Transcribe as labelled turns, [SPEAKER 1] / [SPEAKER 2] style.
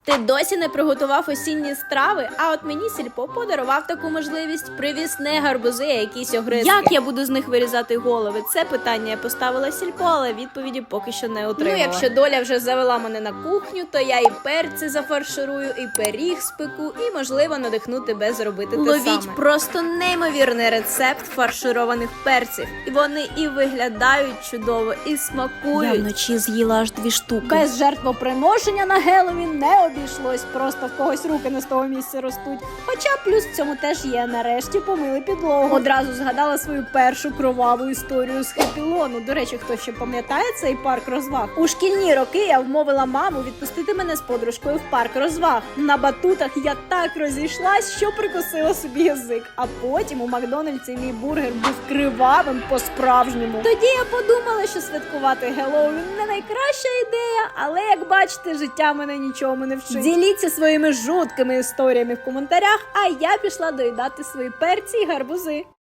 [SPEAKER 1] Ти досі не приготував осінні страви, а от мені сільпо подарував таку можливість. Привіз не гарбузи, а якісь огризки. Як я буду з них вирізати голови? Це питання я поставила сільпо, але відповіді поки що не отримала. Ну, якщо доля вже завела мене на кухню, то я і перці зафарширую, і пиріг спеку, і, можливо, надихну тебе зробити те саме. Ловіть просто неймовірний рецепт фаршированих перців. І вони і виглядають чудово, і смакують.
[SPEAKER 2] Я вночі з'їла аж 2 штуки.
[SPEAKER 3] Без жертвоприношення на Геловін не обійшлось, просто в когось руки не з того місця ростуть. Хоча плюс в цьому теж є, нарешті помили підлогу. Одразу згадала свою першу кроваву історію з Хеппілону. До речі, хто ще пам'ятає цей парк розваг? У шкільні роки я вмовила маму відпустити мене з подружкою в парк розваг. На батутах я так розійшлась, що прикусила собі язик. А потім у Макдональдсі мій бургер був кривавим по-справжньому. Тоді я подумала, що святкувати Геловін не найкраща ідея, але, як бачите, життя мене нічому не вчить. Діліться своїми жуткими історіями в коментарях, а я пішла доїдати свої перці і гарбузи.